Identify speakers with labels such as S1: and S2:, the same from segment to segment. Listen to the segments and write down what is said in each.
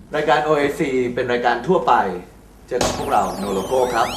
S1: รายการ OAC เป็นรายการทั่วไปเจอกับพวกเราโนโลโก้ครับ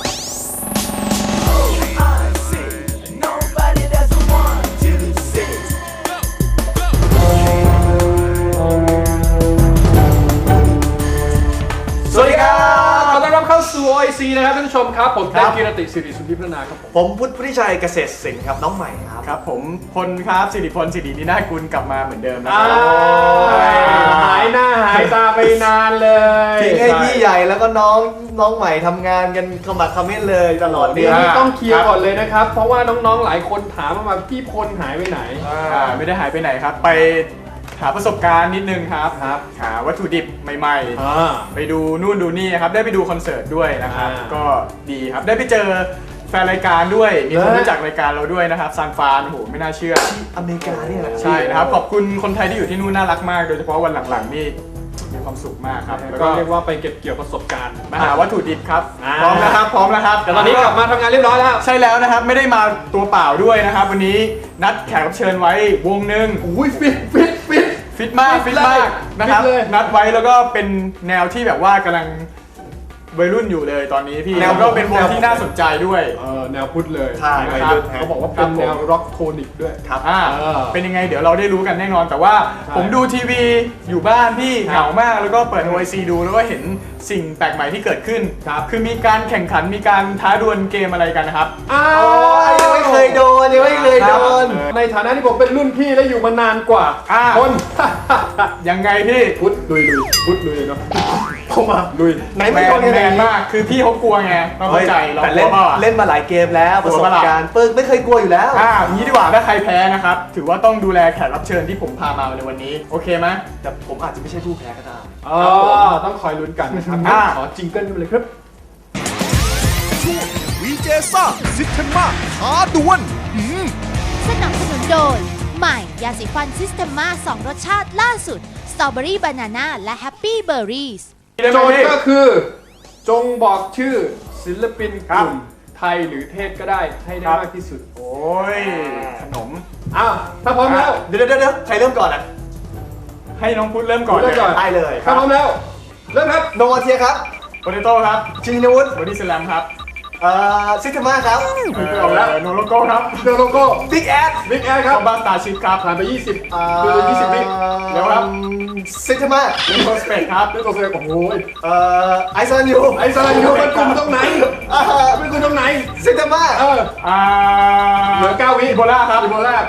S1: สวัสดีครับ
S2: ขอต้อนรับเข้าสู่ OIC นะครับท่านผู้ชมครับผมเต้นกีรติสิริสุทธิพัฒนาครับผม
S3: พุทธิชัยเกษตรศิลป์ครับน้องใหม่ครับ
S4: ผมพลครับสิริพลสิรินินากุลกลับมาเหมือนเดิมนะครั
S2: หายหน้าหายตาไปนานเลย
S3: ทิ้งให้พี่ใหญ่แล้วก็น้องใหม่ทำงานกันขมักเขม้นเลยตลอดเดือน
S2: นี่ต้องเคลียร์ก่อนเลยนะครับเพราะว่าน้องๆหลายคนถามมาพี่พลหายไปไหน
S4: ไม่ได้หายไปไหนครับไปหาประสบการณ์นิดนึงครับหาวัตถุดิบใหม่ๆไปดูนู่นดูนี่ครับได้ไปดูคอนเสิร์ตด้วยนะครับก็ดีครับได้ไปเจอแฟนรายการด้วยมีคนรู้จักรายการเราด้วยนะครับซานฟรานโอ้โหไม่น่าเชื่อ
S3: ที่อเมริกาเนี่ยแหละ
S4: ใช่นะครับขอบคุณคนไทยที่อยู่ที่นู่นน่ารักมากโดยเฉพาะวันหลังๆนี่มีความสุขมากครับ
S2: แล้วก็เรียกว่าไปเก็บเกี่ยวประสบการณ์
S4: มาหาวัตถุดิบครับพร้อมแล้วครับ
S2: แต่ตอนนี้กลับมาทำงานเรียบร้อยแล้ว
S4: ใช่แล้วนะครับไม่ได้มาตัวเปล่าด้วยนะครับวันนี้นัดแขกรับเชิญไว้วงหนึ่ง
S2: อุ้ยฟิต
S4: มากนะครับนัดไว้แล้วก็เป็นแนวที่แบบว่ากำลังวัยรุ่นอยู่เลยตอนนี้พี่แล้วก็เป็นวงที่น่าสนใจด้วย
S2: แนวพุทธเลย
S3: ใช่
S4: นะครับ
S2: เขาบอกว่าเป็นแนวร็อกโทนิกด้วย
S4: ครับเป็นยังไงเดี๋ยวเราได้รู้กันแน่นอนแต่ว่าผมดูทีวีอยู่บ้านพี่เหงามากแล้วก็เปิด OIC ดูแล้วก็เห็นสิ่งแปลกใหม่ที่เกิดขึ้นคือมีการแข่งขันมีการท้าดวลเกมอะไรกันนะครับ
S3: ยังไม่เคยโดน
S2: ในฐานะที่ผมเป็นรุ่นพี่และอยู่มานานกว่าคน
S4: ยังไงพี่
S2: พุทธลุยเนาะ
S3: เข้ามา
S4: ลุย
S3: ไหนไม่โดน
S4: แมนมากคือพี่เขากลัวไงเข้าใจเรา
S3: แต่เล่นมาหลายเกมแล้วประสบการณ์ปึ๊กไม่เคยกลัวอยู่แล้ว
S4: อย่างนี้ดีกว่าถ้าใครแพ้นะครับถือว่าต้องดูแลแขกรับเชิญที่ผมพามาในวันนี้โอเคไหม
S3: แต่ผมอาจจะไม่ใช่ผู้แพ้ก็ได้
S2: ต้องคอยลุ้นกันนะครับขอจิงเกิลกันเลยครับ
S5: ช่วงวีเจซ่าซิสเทมมาท้าดวล
S6: สนับสนุนโดยใหม่ยาสีฟันซิสเทมมา2รสชาติล่าสุดสตรอเบอรี่บานาน่าและแฮปปี้เบอร์รี่
S2: โจทย์ก็คือจงบอกชื่อศิลปินกลุ่มไทยหรือเทศก็ได้ให้ได้มากที่สุด
S4: โอ้ยขนม
S2: ถ้าพร้อมแล้ว
S3: เดี๋ยวใครเริ่มก่อน
S4: ให้น้องพุทธเริ่มก่อน
S3: ได้เลย
S2: ถ้าพร้อมแล้วเริ่มครับ
S3: โนวาเทียครับ
S4: โปเตโต้ครับ
S3: ชินวุฒิ
S4: บอดี้สแลมครับ
S3: ซิสเทมาครับ
S4: ออกแล้วโนโลโก้ครับ
S2: โนโลโก้
S3: บิ๊กแอด
S4: ครับบ้าสตาร์ชิพครับ
S2: ผ่านไป20
S4: ดู20วิแล้วครับ
S3: ซิสเทมา
S4: เล่นโคสเปกครับ
S2: เล่นโคสเปกโอ้โห
S3: ไอซ์ซันยู
S2: เป็นกลุ่มตรงไหนเป็นกลุ่มตรงไหน
S3: ซิสเทมา
S2: เหลือ9วิ
S4: อีโบลาครับ
S2: อีโบลา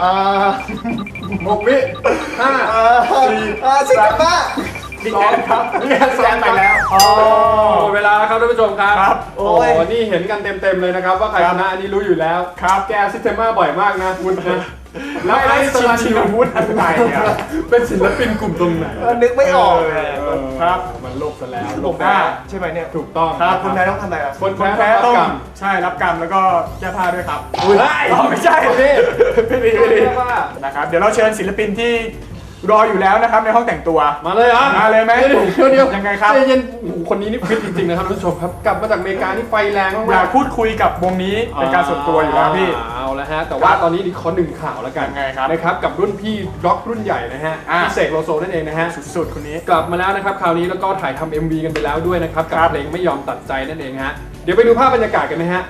S2: 6วิ5 4
S3: ซิสเทมา
S4: บิ๊กแอดครับ
S2: บิ๊กแอดไปแล้วเวลาแล้วครับท่านผู้ชมครับโอ้นี่เห็นกันเต็มเลยนะครับว่าใครชนะอันนี้รู้อยู่แล้วแกซิสเทมมาบ่อยมากนะคุณนะ
S4: แล้วไอ้ชินวุฒิอะไรเนี่ย
S2: เป็นศิลปินกลุ่มตรงไหน
S3: นึกไม่ออก
S4: ครับ
S2: มันโลกซะแล้ว
S3: โลกหน้าใช่ไหมเนี่ย
S2: ถูกต้อง
S3: ครับคนแพ้ต้องทำอะไร
S4: คนแพ้ต้องใช่รับกรรมแล้วก็แก้ผ้าด้วยครับไม่ใช่ไม่ดีนะครับเดี๋ยวเราเชิญศิลปินที่รออยู่แล้วนะครับในห้องแต่งตัว
S2: มาเลย
S4: มาเลยไหม
S2: เดี๋ยว
S4: ยังไงครับ
S2: เย็นคนนี้นี่ฟิตจริงๆนะครับท่านผู้ชมครับกลับมาจากอเมริกานี่ไฟแรงมาก
S4: อยากพูดคุยกับวงนี้เป็นการส่วนตัวอยู่แล้วพี่
S2: เอาละฮะแต่ว่าตอนนี้ขอหนึ่งข่าวแล้วกัน
S4: ไงครับ
S2: นะครับกับรุ่นพี่ร็อกรุ่นใหญ่นะฮะพี่เสกโลโซนั่นเองนะฮะ
S4: สุดๆคนนี้
S2: กลับมาแล้วนะครับคราวนี้แล้วก็ถ่ายทำ MV กันไปแล้วด้วยนะครับกับเพลงไม่ยอมตัดใจนั่นเองฮะเดี๋ยวไปดูภาพบรรยากาศกันนะฮะ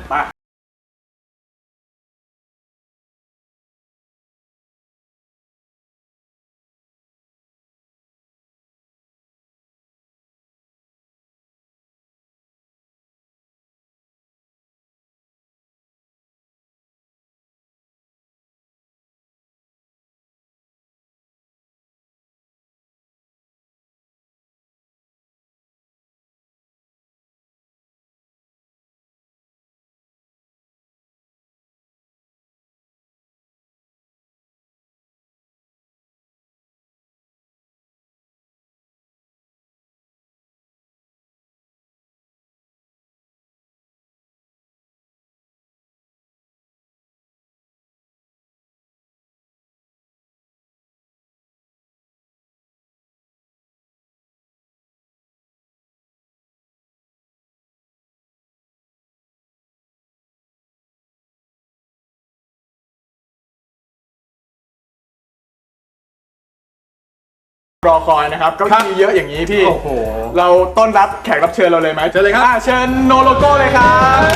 S4: รอคอยนะครับก็มีเยอะอย่างนี้พี่
S2: โอ้โห
S4: เราต้อนรับแขกรับเชิญเราเลยไหม
S2: เชิญเลยครับ
S4: เชิญโนโลโก้เลยครับ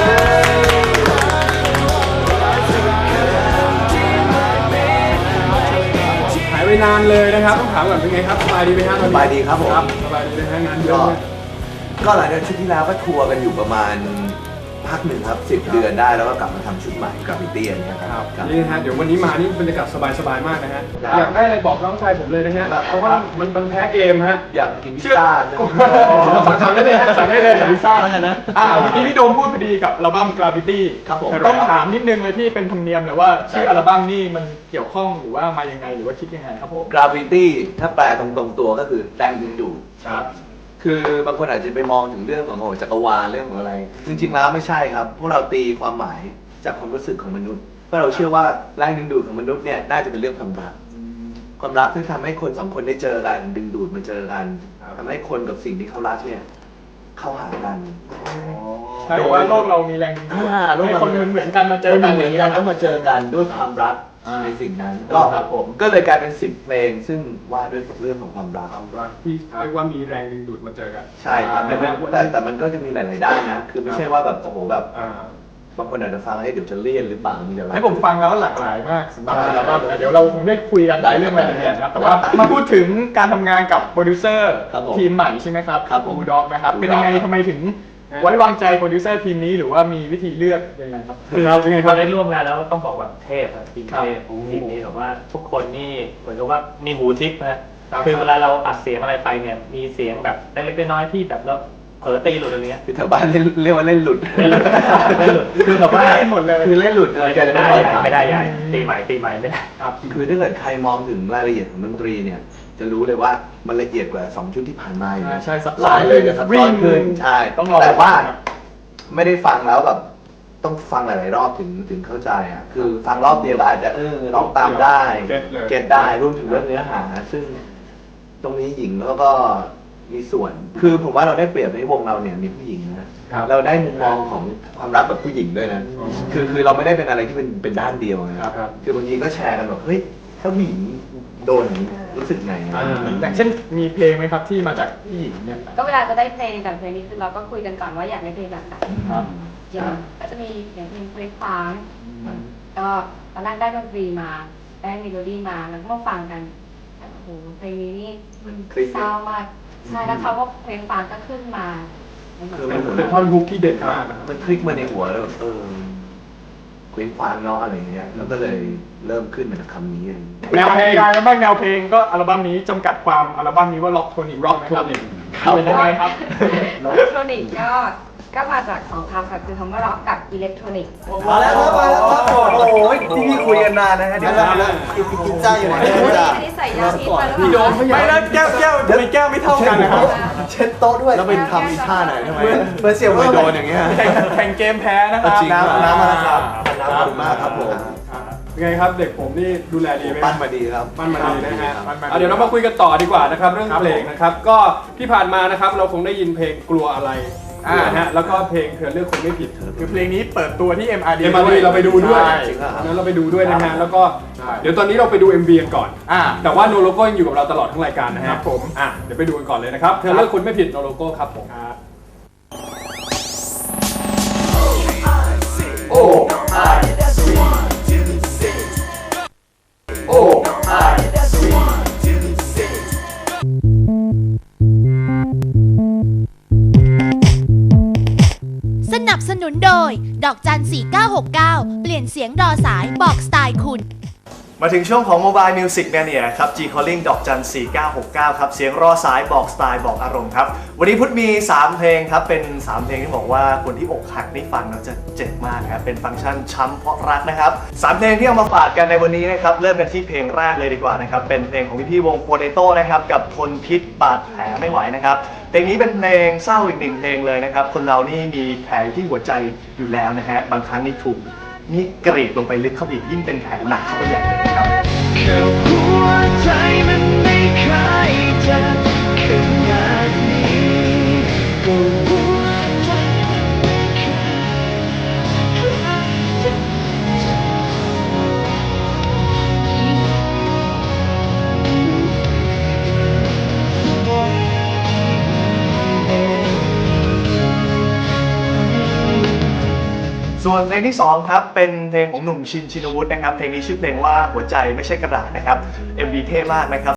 S2: หายไปนานเลยนะครับต้องถามก่อนเป็นไงครับสบายดีไหมฮะตอนนี้
S1: สบายดีครับผม
S2: สบายดีนะฮะงานเยอะ
S1: ก็
S2: ไหม
S1: ก็หลังจากชุดที่แล้วก็ทัวร์กันอยู่ประมาณพักหนึ่งครับ 10 เดือนได้แล้วก็กลับมาทำชุดใหม่กราฟิตี้อันเนี้ยครับครับ
S2: นี่นะฮะเดี๋ยววันนี้มานี่บรรยากาศสบายๆมากนะฮะ
S1: ครับ
S2: อยากได้อะไรบอกน้องชายผมเลยนะฮะเพราะว่ามันแพ้เกมฮะ
S1: อยากกินพิซซ่านะ
S2: สั่งได้เลยฮะสั่งได้เลยพิซซ่าแล้วกันนะ
S4: เมื่อกี้พี่โดมพูดพอดีกับอัลบั้ม Gravity
S1: ครับผม
S4: ต้องถามนิดนึงเลยพี่เป็นธรรมเนียมเลยว่าชื่ออัลบั้มนี่มันเกี่ยวข้องหรือว่ามายังไงหรือว่าคิดยังไงครับผม
S1: กราฟิตี้ถ้าแปลตรงๆตัวก็คือแรงดึงดูด
S4: ครับ
S1: คือบางคนอาจจะไปมองถึงเรื่องของจักรวาลเรื่องของอะไร จริงๆแล้วไม่ใช่ครับ พวกเราตีความหมายจากความรู้สึกของมนุษย์เพราะเราเชื่อว่าแรงดึงดูดของมนุษย์เนี่ยน่าจะเป็นเรื่องความรักความรักที่ทำให้คนสองคนได้เจอกันดึงดูดมาเจอกันทำให้คนกับสิ่งที่เขารักเนี่ยเข้าหากัน
S4: ใช่ว่าโลกเรามีแรงดึงดูดให้คนเหมือนกันมาเจอกัน
S1: เหมือนกันต้องมาเจอกันด้วยความรักในสิ่งนั้นก็
S4: ครับผม
S1: ก็เลยกลายเป็น10 เพลง ซึ่งว่าด้วยเรื่องของความรัก
S2: ที่เรียกว่ามีแรงดึงดูดมาเจอกัน
S1: ใช่ครับแต่มันก็จะมีหลายๆด้านนะ คือไม่ใช่ว่าแบบโอ้โหแบบ
S2: อ่า
S1: บางคนอาจจะฟังให้เดี๋ยวจะเลี่ยนหรือเปล่ามีอะไร
S4: ให้ผมฟังแล้วหลากหลายมากสำหรับอัลบั้มเดี๋ยวเราคงได้คุยกันหลายเรื่องรายละเอียดนะครับแต่ว่ามาพูดถึงการทำงานกับโปรดิวเซอร์
S1: ครับผม
S4: ทีมใหม่ใช่ไหมครับ
S1: ครับผม
S4: บูด็อกนะครับเป็นยังไงทำไมถึงไว้วางใจโปรดิวเซอร์ทีมนี้หรือว่ามีวิธีเลือกยังไงครับ
S2: คือยังไงค
S7: พ
S2: รั
S7: อบ ได้ร่วมงานแล้วต้องบอกแบบเทพอะทีมเทพ
S2: ครับ
S7: ทีมนี้แบบว่าทุกคนนี่เหมือนกับว่ามีหูทิพย์นะคือเวลาเราอัดเสียงอะไรไปเนี่ยมีเสียงแบบเล็กๆน้อยๆที่แบบเราเผลอตีหลุดอะไรเงี้ย
S1: คือแถวบ้านเรียกว่าเล่นหลุด
S7: เล่นหลุดเล่นหลุดคือแบบว่า
S4: เล่นหมดเลย
S1: คือเล่นหลุดเลย
S7: ไม่ได้ใหญ่ตีใหม่ไม่ได้
S1: คือถ้าเกิดใครมองถึงรายละเอียดของดนตรีเนี่ย จะรู้เลยว่ามันละเอียดกว่า2ชุดที่ผ่านมาอยู่นะ
S4: ใช่ซับ
S1: ห
S4: ซ้อ
S1: ลาน ยเลยจะซับซ้อนขึ้นใช่
S4: ต้องรอ
S1: แต่ว่าไม่ได้ฟังแล้วแบบต้องฟังหลายๆรอบถึงเข้าใจอ่ะคือฟังรอบเดียวก็อาจจะร้องตามได้ เก็ตได้รวมถึงเรื่องเนื้อหา ซึ่งตรงนี้หญิงแล้วก็มีส่วน คือผมว่าเราได้เปรียบในวงเราเนี่ยมีผู้หญิงนะเราได้มุมมองของความรักแบบผู้หญิงด้วยนะคือเราไม่ได้เป็นอะไรที่เป็นด้านเดียวนะครับ คือบางทีก็แชร์กันแบบเฮ้ยถ้าผู้หญิงโดนอย่างนี้รู้สึกไงอะ
S4: อย่างเช่นมีเพลงไหมครับที่มาจากผู้หญิงเนี่ย
S8: ก็เวลาจะได้เพลงกับเพลงนี้คือเราก็คุยกันก่อนว่าอยากได้เพลงแบบไหน
S4: ครับ
S8: อย่างก็จะมีอย่างเพลงเพลงฟังก็ตอนแรกได้ดนตรีมาได้เมโลดี้มาแล้วก็มาฟังกันโอ้โหเพลงนี้นี่เศร้ามากใช่แล้วเขาก็เพลงฟังก็ขึ้นมา
S1: คือมันเหมือน
S2: เป็นท่อนฮุกที่เด็ดมากนะครับ
S1: มันคลิกมาในหัวแล้วแบบเคว้งคว้างเนาะอะไรอย่างเงี้ยแล้วก็เลยเริ่มขึ้นมาจากคำนี้เอง
S4: แนวเพลงกันบ้างแนวเพลงก็อัลบั้มนี้จำกัดความอัลบั้มนี้ว่าล็อกโทนิกร็อกนะครับเป็นยังไงครับ
S8: อิเล็กทรอนิกส์ก็มาจากสองคำค่ะคือคำว่าร็อกกับอิเล็กทรอนิกส์
S3: มาแล้วครับมาแล้วครับโอ้โหที่พี่คุยกันนานนะฮะเดี๋ยวนะกินจ้าอยู่ไหน
S8: อัน
S3: จ้า
S8: นี้ใส่ยาพิษมาหรือเป
S2: พี่โด
S8: ล่าม
S4: ไม่แล้วแก้วทำไมแก้วไม่เท่ากันนะครับ
S3: เช็ดโต๊ะด้วย
S1: แล้วเป็นทำอีท่าไหนทำไม
S3: เหมือนเสี่ยว
S1: ไม่
S3: เพิ่ม
S1: โดนอย่างเงี้ย
S4: แข่งเกมแพ้นะครับ
S1: จริงครับ
S3: น้ำมาแล้วครับ
S1: ขอบคุณมากครับผม
S2: เป็นไงครับเด็กผมนี่ดูแลดีไหม
S1: ปั้นมาดีครับ
S2: มันมาดีนะฮะ
S4: ปั้นมาดี
S2: เดี๋ยวเรามาคุยกันต่อดีกว่านะครับเรื่องเพลงนะครับก็ที่ผ่านมานะครับเราคงได้ยินเพลงกลัวอะไรนะฮะแล้วก็เพลงเธอเลือกคนไม่ผิด
S4: คือเพลงนี้เปิดตัวที่ MRD
S2: เราไปดูด้วย
S4: ใช่
S1: จริงเหรอครับ
S2: นั้นเราไปดูด้วยนะ
S4: ครั
S2: ฮะ
S4: บ
S2: แล้วก็เดี๋ยวตอนนี้เราไปดู MV กันก่อน แต่ว่าโนโลโก้ยังอยู่กับเราตลอดทั้งรายการนะฮะ
S4: ครับผม
S2: เดี๋ยวไปดูกันก่อนเลยนะครับเธอเลือกคนไม่ผิดโนโลโก้ครับผมโอ้โอ้
S6: สนับสนุนโดย ดอกจัน 4969 เปลี่ยนเสียงรอสายบอกสไตล์คุณ
S3: มาถึงช่วงของ Mobile Music Mania ครับ G Calling ดอกจัน 4969 ครับ เสียงรอสายบอกสไตล์บอกอารมณ์ครับ วันนี้พุทธมี 3 เพลงครับ เป็น 3 เพลงที่บอกว่าคนที่อกหักได้ฟังแล้วจะเจ็บมากครับ เป็นฟังก์ชันช้ำเพราะรักนะครับ 3 เพลงที่เอามาฝากกันในวันนี้นะครับ เริ่มกันที่เพลงแรกเลยดีกว่านะครับ เป็นเพลงของพี่ๆวงโปเตโต้นะครับ กับทนพิษบาดแผลไม่ไหวนะครับ เพลงนี้เป็นเพลงเศร้าอีกหนึ่งเพลงเลยนะครับ คนเรานี่มีแผลที่หัวใจอยู่แล้วนะฮะ บางครั้งนี่ถูกนี่กรีดลงไปลึกเข้าไปอีกยิ่งเป็นแผลหนักเข้าไปใหญ่เลยนะครับ
S9: หัวใจมันไม่เคยจะขนาดนี้ก็หัวใจมันไม่เคย
S3: ส่วนเพลงที่ 2 ครับ เป็นเพลงของหนุ่มชินชินวุฒินะครับ เพลงนี้ชื่อเพลงว่าหัวใจไม่ใช่กระดาษนะครับ MV เท่มากนะครับ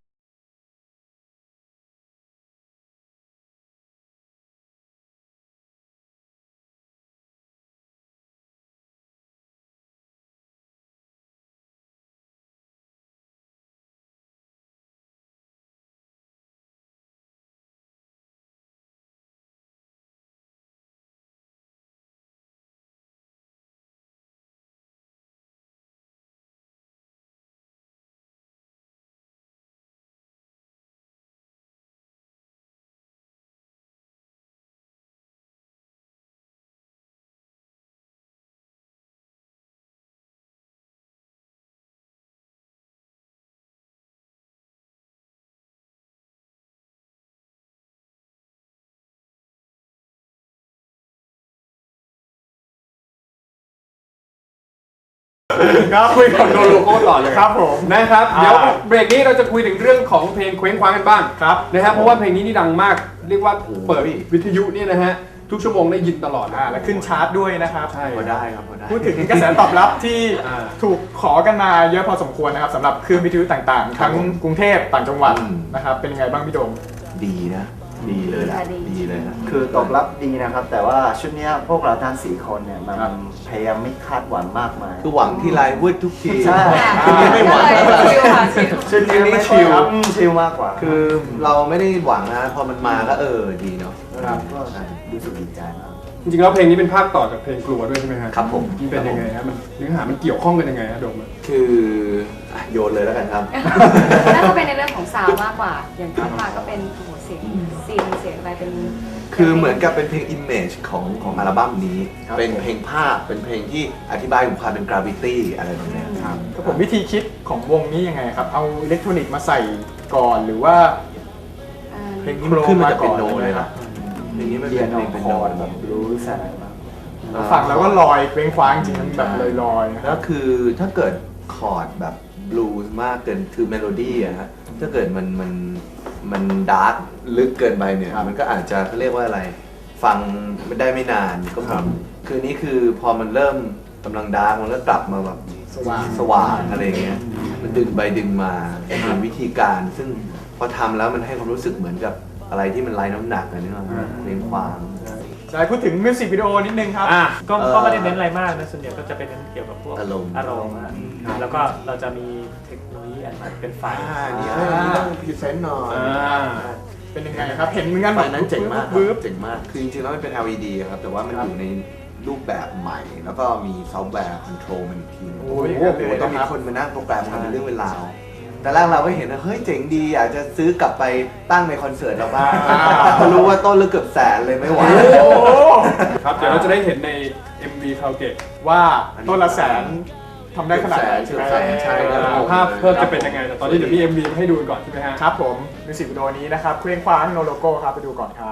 S2: ครับคุยกับโนโลโก้ต่อเลย
S4: ครับผม
S2: นะครับเดี๋ยวเบรกนี้เราจะคุยถึงเรื่องของเพลงเคว้งคว้างกันบ้าง
S4: ครับ
S2: นะครับเพราะว่าเพลงนี้นี่ดังมากเรียกว่าเปิดวิทยุนี่นะฮะทุกชั่วโมงได้ยินตลอด
S4: และขึ้นชาร์ตด้วยนะครับ
S2: ใช่
S3: พอได้ครับพอได้
S4: พูดถึงกระแสตอบรับที่
S2: อ่า
S4: ถูกขอกันมาเยอะพอสมควรนะครับสำหรับคลื่นวิทยุต่างๆ ทั้งกรุงเทพต่างจังหวัดนะครับเป็นยังไงบ้างพี่โดม
S1: ดีนะ ดีเลยนะดีเลยนะ
S10: คือตอบรับดีนะครับ แต่ว่าชุดเนี้ยพวกเราทั้ง4 คนเนี่ยมัน
S4: ครับ
S10: พยายามไม่คาดหวังมากมาย
S1: คือหวังที่ลายวืดทุกที
S10: ใช่
S1: คือไม่หวัง
S8: ชิลค่ะชิล
S10: ชุดนี้ไม่ชิลชิลมากกว่า
S1: คือเราไม่ได้หวังนะพอมันมาก็ดีเนาะ
S10: ครับก็รู้สึกดีใจมาก
S2: จริงๆแล้วเพลงนี้เป็นภาคต่อจากเพลงกลัวด้วยใช่ไหมฮะ
S1: ครับผม
S2: มันเป็นยังไงฮะมันเนื้อหามันเกี่ยวข้องกันยังไงฮะโดม
S1: คือโยนเลยแล้วกันครับ
S8: น่าจะเป็นในเรื่องของซาวด์มากกว่า อย่างที่มาก็เป็นโอ้โหเสียงซีนเสียงอะไรเป็น
S1: คือเหมือนกับเป็นเพลง image ของอัลบั้มนี้ เป็นเพลงภาพเป็นเพลงที่อธิบายถึงความเป็น gravity อะไรแบบเนี้ยครับ
S4: ครับผมวิธีคิดของวงนี้ยังไงครับ เอาอิเล็กทรอนิกส์มาใส่ก่อนหรือว่า
S1: เพลงนี้มันขึ้นมาจากเป็นโนเลยนะเพลงนี้มัน
S10: เรี
S1: เป็
S10: ย
S1: น
S10: น
S1: เพ
S10: อ
S1: ล
S10: อง ก
S1: เป็น
S10: ค
S1: โน
S10: อร์ดแบบรู้สายมาก
S4: ฟังแล้วก็ลอยเคว้งคว้างจริงมันแบบลอยๆนะค
S1: แล้
S4: รับ
S1: วคือถ้าเกิดคอร์ดแบบบลูส์มากเกินคือเมโลดี้อะฮะถ้าเกิดมันดาร์กลึกเกินไปเนี่ยมันก็อาจจะเขาเรียกว่าอะไร ฟังไม่ได้ไม่นานก็มีคือนี้คือพอมันเริ่มกำลังดาร์กมันก็กลับมาแบบสว่างอะไรเงี้ยมันดึงไปดึงมาเป็นวิธีการ ซึ่งพอทำแล้วมันให้ความรู้สึกเหมือนกับอะไรที่มันไร้น้ำหนักอะไรนี่ว่าเรียงความ
S4: ใช่พูดถึงมิวสิกวิดีโอนิดนึงครับ
S7: ก็ไม่ได้เน้นอะไรมากนะส่วนใหญ่ก็จะเป็นเน้นเกี่ยวกับพวก
S1: อารมณ์
S7: อารมณ์อะแล้วก็เราจะมีเทคโนโลยีอันใหม่เป็นไฟ
S1: นี่ต้องพรีเซนต์หน่อย
S4: เป็นยังไงครับ เห็นเหมือนกัน
S1: ไฟนั้นเจ๋งมากครับ
S4: บึ๊บ
S1: เจ๋งมาก คือจริงๆแล้วมันเป็น LED ครับ แต่ว่ามันอยู่ในรูปแบบใหม่ แล้วก็มีซอฟต์แวร์คอนโทรลมันอีกทีนึง
S4: โอ้ยอย่างนั้นเลย
S1: ต้องมี
S4: นะครับ
S1: คนมานั่งโปรแกรมทำเป็นเรื่องเป็นราว แต่แรกเราก็เห็นว่าเฮ้ยเจ๋งดีอยากจะซื้อกลับไปตั้งในคอนเสิร์ตเราบ้างพอรู้ว่าต้นละเกือบแสนเลยไม่ไหว
S2: ครับเดี๋ยวเราจะได้เห็นใน MV คาราโอเกะ
S4: ว่าต้นละแสนทำได้ขนาดไหน
S1: เกือบแสนใช่ครับ
S2: ภาพเพิ่มจะเป็นยังไงแต่ตอนนี้เดี๋ยวมี MV ให้ดูก่อนใช่ไหมฮะ
S4: ครับผมมิวสิกวิดีโอนี้นะครับเคว้งคว้างโนโลโก้ครับไปดูก่อนครับ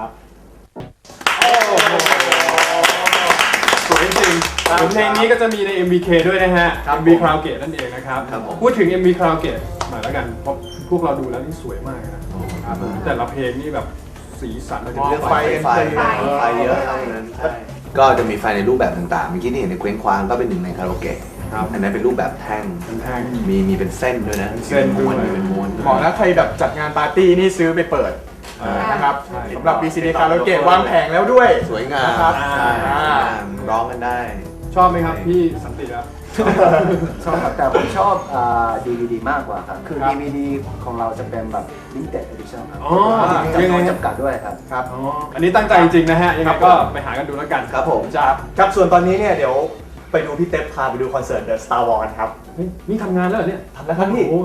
S2: สวยจริงเพลงนี้ก็จะมีใน MVK ด้วยนะฮะ MV คาราโอเกะนั่นเองนะครับ
S1: ครับผม
S2: พูดถึง MV คาราโอเกะหน่อยแล้วกันเพราะพวกเราดูแล้วนี่สวยมากนะแต่ละเพลงนี่แบบสีสัน
S1: เรื่องไฟเยอะเท่านั้นใช่ก็จะมีไฟในรูปแบบต่างๆเมื่อกี้ที่เห็นในเคว้งคว้างก็เป็นหนึ่งในคาราโอเกะอันนั้นเป็นรูปแบบแท่ง
S2: เป็นแท่ง
S1: มีเป็นเส้นด้วยนะ
S2: เส้นด้วย
S1: เป็นม้วน
S4: เหมาะนะใครแบบจัดงานปาร์ตี้นี่ซื้อไปเปิดนะครับสำหรับ VCD คาราโอเกะวางแผงแล้วด้วย
S1: สวยงาม
S4: นะครับ
S1: ใช่ร้องกันได้
S2: ชอบไหมครับพี่สันติครับ
S10: ชอบครับแต่ผมชอบDVD มากกว่าครับ คือ DVD ของเราจะเป็นแบบ limited edition ครับ
S2: อ๋อ
S10: จำนวนจำกัดด้วยครับ
S4: ครับ
S2: อันนี้ตั้งใจจริงๆนะฮะยังไงก็ไปหากันดูแล้วกัน
S1: ครับผม
S3: ครับส่วนตอนนี้เนี่ยเดี๋ยวไปดูพี่เต็ปพาไปดูคอนเสิร์ต The Star Wars ครับ
S2: เฮ้ยนี่ทำงานแล้วเหรอเนี่ย
S3: ทำแล้วครับพี่
S2: โอ้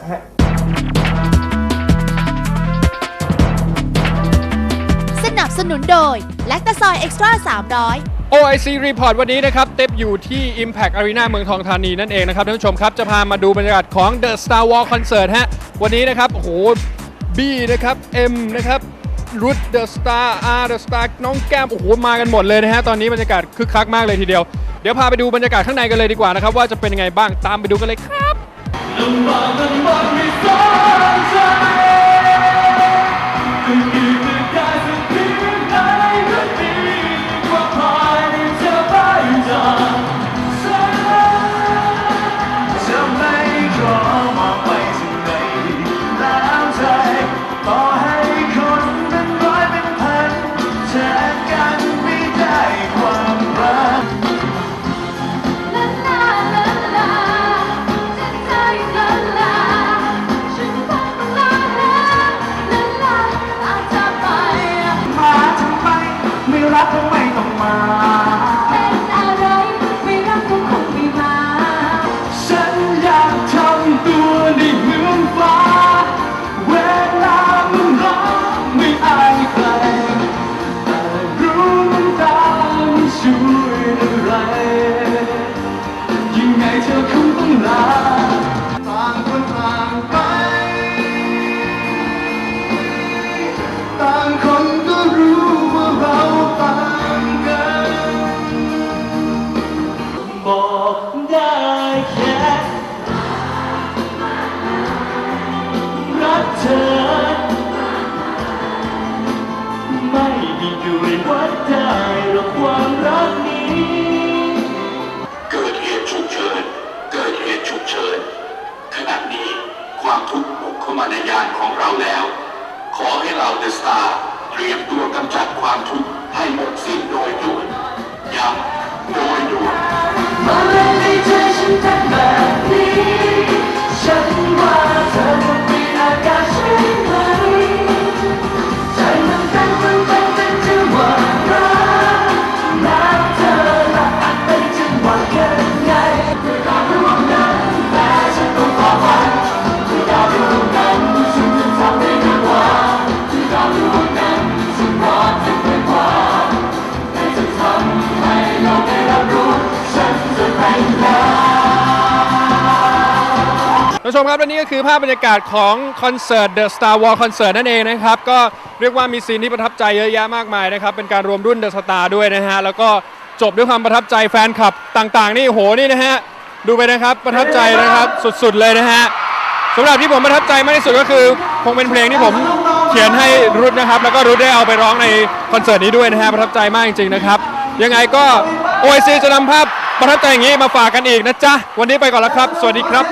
S6: สนับสนุนโดยแลคตาซอยเอ็กซ์ตร้า300
S2: OIC Report วันนี้นะครับเต็บอยู่ที่ Impact Arena เมืองทองธานีนั่นเองนะครับท่านผู้ชมครับจะพามาดูบรรยากาศของ The Star Wars Concert ฮะวันนี้นะครับโอ้โห B นะครับ M นะครับรุด The Star R The Star น้องแก้มโอ้โหมากันหมดเลยนะฮะตอนนี้บรรยากาศคึกคักมากเลยทีเดียวเดี๋ยวพาไปดูบรรยากาศข้างในกันเลยดีกว่านะครับว่าจะเป็นยังไงบ้างตามไปดูกันเลยครับ
S9: รักก็ไม่ต้องมาเป็นอะไรไม่รักก็คงไม่มาฉันอยากทำตัวได้เหมือนฟ้าเวลามันร้อนไม่อายใครแต่รู้น้ำตาไม่ช่วยอะไรยังไงเธอคงต้องลาต่างคนต่างไปต่างคนก็รู้ว่าเราต่างกันบอกได้แค่รักเธอไม่ได้ด้วยวัดได้หรอกความรักนี้
S11: เกิดเหตุฉุกเฉินขณะนี้ความทุกข์บุกเข้ามาในยานของเราแล้ว ขอให้เราเดอะสตาร์เตรียมตัวกำจัดความทุกข์ให้หมดสิ้นโดยด่วนย้ำโดยด่วน
S9: มาเล่นในใจฉันเป็นแบบนี้ฉันว่าเธอคงมีอาการใช่ไหมใจมันเต้นเป็นจังหวะรักรักเธอและเป็นจังหวะยังไงด้วยการรู้นั้นแต่ฉันต้องขอฝันด้วยการรู้นั้นฉันจะทำได้ดีกว่าด้วยการรู้นั้นฉันรอจะไปกว่าแต่จะทำให้โลกได้รับรู้ฉันจะไปแล้ว
S2: ท่านผู้ชมครับและนี่ก็คือภาพบรรยากาศของคอนเสิร์ต The Star Wars Concert นั่นเองนะครับก็เรียกว่ามีซีนที่ประทับใจเยอะแยะมากมายนะครับเป็นการรวมรุ่น The Star ด้วยนะฮะแล้วก็จบด้วยความประทับใจแฟนคลับต่างๆนี่โหนี่นะฮะดูไปนะครับประทับใจนะครับสุดๆเลยนะฮะสำหรับที่ผมประทับใจมากที่สุดก็คือคงเป็นเพลงที่ผมเขียนให้รุดนะครับแล้วก็รุดได้เอาไปร้องในคอนเสิร์ตนี้ด้วยนะฮะประทับใจมากจริงๆนะครับยังไงก็ OIC จะนำภาพประทับใจอย่างนี้มาฝากกันอีกนะจ๊ะวันนี้ไปก่อนแล้วครับสวัสดีครับ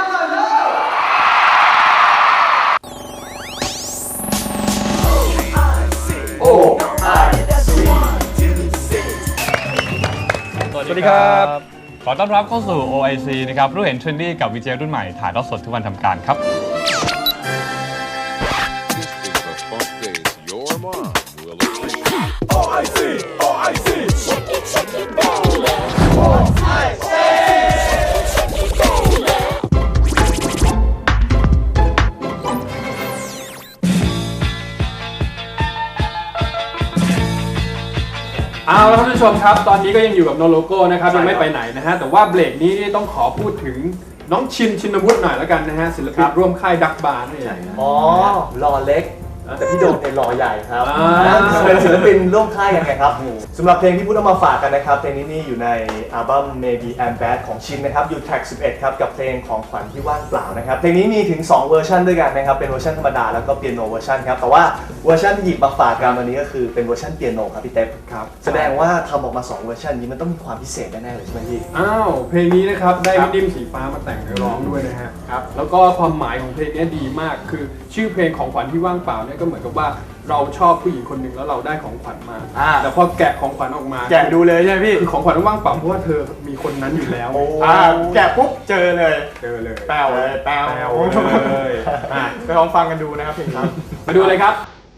S12: สวัสดีครับ ขอต้อนรับเข้าสู่ OIC นะครับรู้เห็นเทรนดี้กับวีเจรุ่นใหม่ถ่ายทอดสดทุกวันทำการครับ
S2: เอาละครับท่านผู้ชมครับตอนนี้ก็ยังอยู่กับโนโลโก้นะครับยังไม่ไปไหนนะฮะแต่ว่าเบรกนี้นี่ต้องขอพูดถึงน้องชินวุฒิหน่อยแล้วกันนะฮะศิลปินร่วมค่ายดักบาร์นี่เอง
S3: อ๋อหล่อเล็กแต่พี่โดมเป็นหล่อใหญ่ครับ
S2: อ่า
S3: เป็นศิลปินร่วมค่ายกันไงครับสำหรับเพลงที่พูดเอามาฝากกันนะครับเพลงนี้นี่อยู่ในอัลบั้ม Maybe I'm Bad ของชินนะครับอยู่แทร็ก11ครับกับเพลงของขวัญที่ว่างเปล่านะครับเพลงนี้มีถึง2เวอร์ชันด้วยกันนะครับเป็นเวอร์ชันธรรมดาแล้วก็เปียโนเวอร์ชันครับแต่ว่าเวอร์ชันที่หยิบมาฝากกันวันนี้ก็คือเป็นเวอร์ชันเปียโนครับพี่เต๊บครับแสดงว่าทำออกมา2เวอร์ชันนี้มันต้องมีความพิเศษแน่ๆเลยใช่ไหมพี่
S2: อ้าวเพลงนี้นะครับได้พี่ดิมสีฟ้ามาแต่งเนื้อร้องด้วยนะฮะครับแล้วก็ความหมายของเพลงนี้ดีมากคือชื่อเพลงของขวัญที่ว่างเปล่าเนี่ยก็เหมือนกับว่าเราชอบผู้หญิงคนหนึ่งแล้วเราได้ของขวัญมาแต่พอแกะของขวัญออกมา
S4: แกะดูเลยใช่ไหมพี่
S2: คือของขวัญว่างเปล่าเพราะว่าเธอมีคนนั้นอยู่แล้ว
S4: แกะปุ๊บเจอเลย
S2: แปลวเลย
S4: แปลว
S2: เลยอ่ะ
S4: ไปลองฟังกันดูนะครับเพลงนี้
S2: มาดูเลยครับ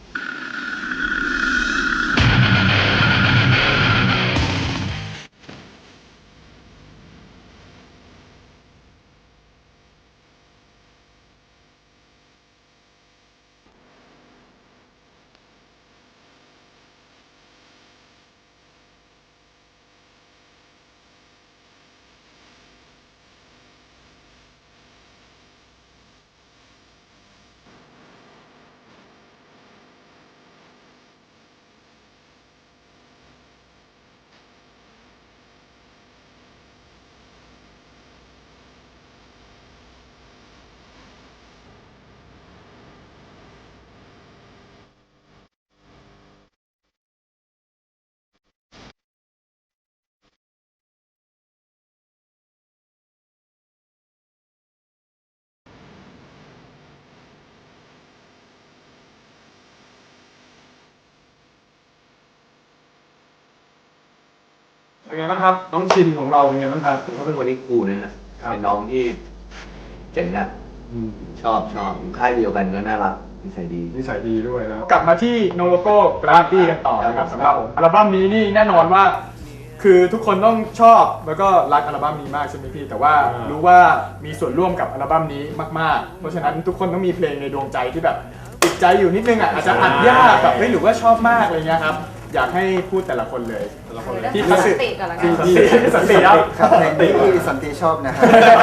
S2: เป็นไงบ้างครับน้องชินของเราเป็นไงบ้างครับ
S1: เขาเป็นคนที่คูลนะฮะเป็นน้องที่เจ๋งอ่ะชอบค่ายเดียวกันก็น่ารักนิสัยดี
S2: นิสัยดีด้วยแล้ว
S4: กลับมาที่โนโลโก้กราฟตี้กันต่อนะครับสำหรับอัลบั้มนี้นี่แน่นอนว่า คือทุกคนต้องชอบแล้วก็รักอัลบั้มนี้มากใช่ไหมพี่แต่ว่ารู้ว่ามีส่วนร่วมกับอัลบั้มนี้มากๆเพราะฉะนั้นทุกคนต้องมีเพลงในดวงใจที่แบบติดใจอยู่นิดนึงอ่ะอาจจะอัดยากแบบไม่หรือว่าชอบมากอะไรเงี้ยครับอยากให้พูดแต่ละคนเลย
S8: ที่สันติก่อนละกัน
S4: สันติครับ
S10: ครับเพลงที่สันติชอบนะครับ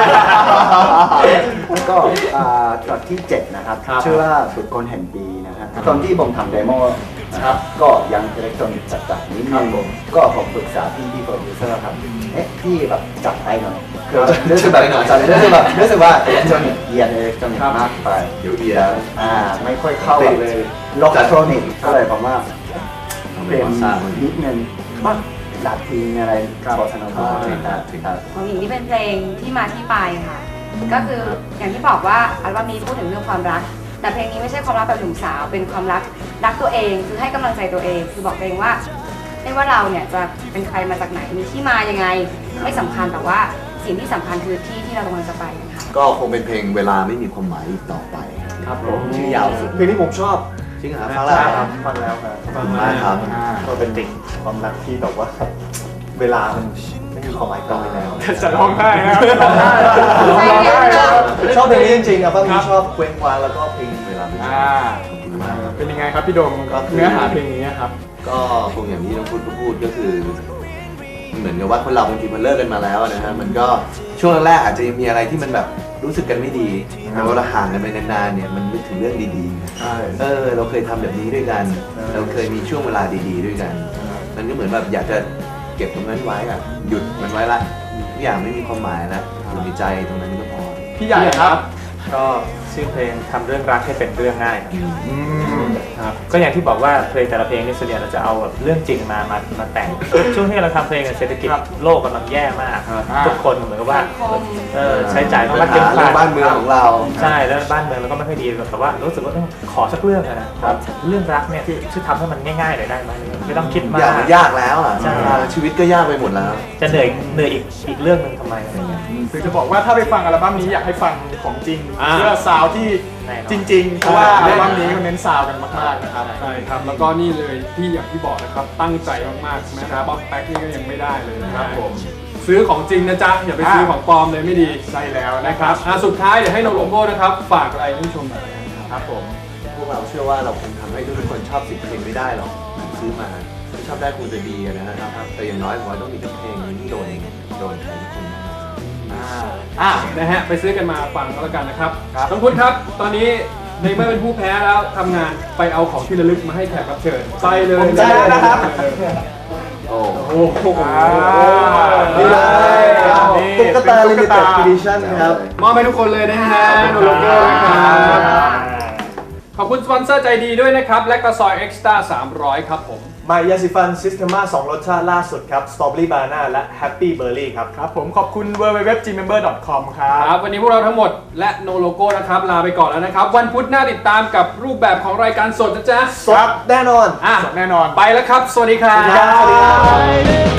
S10: ก็ตอนที่ 7 นะครับ ชื่อว่าฝึกคนแห่งปีนะครับตอนที่ผมทำเดโมนะครับก็ยังอิเล็กทรอนิกส์จัดนิดนึงก็ผมปรึกษาพี่โปรดิวเซอร์ครับพี่แบบจัดให้หน่อยคือรู้สึกแบบรู้สึกว่าอิเล็กทรอนิกส์อิเล็กทรอนิกส์มากไปเดี๋ยวไม่ค่อยเข้าเลยล็อกอิเล็กทรอนิกส์ก็เลยผมว่าเปลี่ยนนิดนึงหลักทีอะไรบอสนาโนครับ
S8: ของหญิงนี่เป็นเพลงที่มาที่ไปค่ะ ก็คืออย่างที่บอกว่าอัลบั้มนี้พูดถึงเรื่องความรัก แต่เพลงนี้ไม่ใช่ความรักแบบหนุ่มสาวเป็นความรักตัวเองคือให้กำลังใจตัวเองคือบอกตัวเองว่าไม่ว่าเราเนี่ยจะเป็นใครมาจากไหนมีที่มายังไงไม่สำคัญแต่ว่าสิ่งที่สำคัญคือที่เรากำลังจะไปค่ะ
S1: ก็คงเป็นเพลงเวลาไม่มีความหมายอีกต่อไปครับผมชื่อยาวสุด
S3: เพลงนี้ผมชอบ
S1: จริงเหรอฟังแล้วครับ
S3: ฟังแล้วครับ
S1: ฟังมากครับ
S3: ก็เป็นเด็กความรักที่แบบว่าเวลามันไม่มีความหมายต่อไปแล้ว
S4: จะร้องไห้นะครับร้องไห้ครับ
S3: ชอบเพลงนี้จริงๆครับพี่ชอบเคว้งคว้างแล้วก็เพลงเวลาไม่มี
S4: เป็นยังไงครับพี่โดมเนื้อหาเพลงนี้ครับ
S1: ก็คงอย่างที่น้องพูดก็คือ เหมือนกับว่าคนเราบางทีมันเลิกกันมาแล้วนะฮะมันก็ช่วงแรกอาจจะยังมีอะไรที่มันแบบรู้สึกกันไม่ดีแต่ว่าเราห่างกันไปนานๆเนี่ยมันนึกถึงเรื่องดีๆ
S3: ใช่
S1: เราเคยทำแบบนี้ด้วยกัน เราเคยมีช่วงเวลาดีๆด้วยกัน มันก็เหมือนแบบอยากจะเก็บตรงนั้นไว้อะหยุดมันไว้ละทุกอย่างไม่มีความหมายแล้วอยู่ในใจตรงนั้นก็พอ
S4: พี่ใหญ่ครับ
S7: ก็ชื่อเพลงทำเรื่องรักให้เป็นเรื่องง่ายครับก็อย่างที่บอกว่าเพลงแต่ละเพลงนี่ส่วนใหญ่เราจะเอาแบบเรื่องจริงมาแต่ง ช่วงที่เราทำเพลงเศรษฐกิจโลกกำลังแย่มากทุกคนเหมือนกับว่าใช้จ่ายมากเกินไป
S1: บ้านเมืองของเรา
S7: ใช่แล้วบ้านเมืองเราก็ไม่ค่อยดีแต่ว่ารู้สึกว่าขอสักเรื่องนะเรื่องรักเนี่ยที่ช่วยทำให้มันง่ายๆหน่อยได้ไหมไม่ต้องคิดมาก
S1: อยากมันยากแล้วอ่ะชีวิตก็ยากไปหมดแล้ว
S7: จะเหนื่อยอีกเรื่องหนึ่งทำไมอะไรเงี้ย
S4: คือจะบอกว่าถ้าไปฟังอัลบั้มนี้อยากให้ฟังของจริงเพื่อซาวด์ที่จริงๆเพราะว่าอัลบั้มนี้มันเน้นซาวด์กันมากๆนะครับ
S2: ใช่ครับแล้วก็นี่เลยที่อย่างที่บอกนะครับตั้งใจมากๆแม้แต่บ็อกแบ็กนี่ก็ยังไม่ได้เลยนะครับผมซื้อของจริงนะจ๊ะอย่าไปซื้อของปลอมเลยไม่ดี
S4: ใช่แล้วนะ
S2: นะ
S4: ค
S2: ค
S4: รั
S2: รั
S4: บบ
S2: สุดท้ายเดี๋ยวให้โนโลโก้นะครับฝากอะไรให้ผู้ชมหน่อยนะครับ
S4: ผม
S1: พวกเราเชื่อว่าเราคงทำให้ทุกคนชอบสิ่งเพลงไม่ได้หรอกซื้อมาชอบได้คงจะดีนะครับแต่อย่างน้อยผมว่าต้องมีเพลงที่โดนใครทุกคน
S2: นะฮะไปซื้อกันมาฟังก็แล้วกันนะครับน้องพุทธครับตอนนี้ในเมื่อเป็นผู้แพ้แล้วทำงานไปเอาของที่ระลึกมาให้แขกรับเชิญไปเลย
S4: ผมจะนะครับ
S1: โอ้
S2: โอ้โห
S1: นี่เลยตุ๊กตา Limited Edition ครับ
S2: มอบให้ทุกคนเลยนะฮะโนโลโก้นะครับขอบคุณสปอนเซอร์ใจดีด้วยนะครับและกระซอยเอ็กซ์ตร้า300ครับผม
S3: มายาสีฟันซิสเตมา2รสชาติล่าสุดครับสตรอเบอรี่บานาน่าและแฮปปี้เบอร์รี่ครับ
S4: ครับผมขอบคุณ www.gmember.com ครับ
S2: ครับวันนี้พวกเราทั้งหมดและโนโลโก้นะครับลาไปก่อนแล้วนะครับวันพุธหน้าติดตามกับรูปแบบของรายการสดนะจ๊ะ
S3: สดแน่นอน
S2: อ่ะ
S4: สดแน่นอน
S2: ไปแล้วครับ สวัสดีครับ
S3: สวัสดีครับ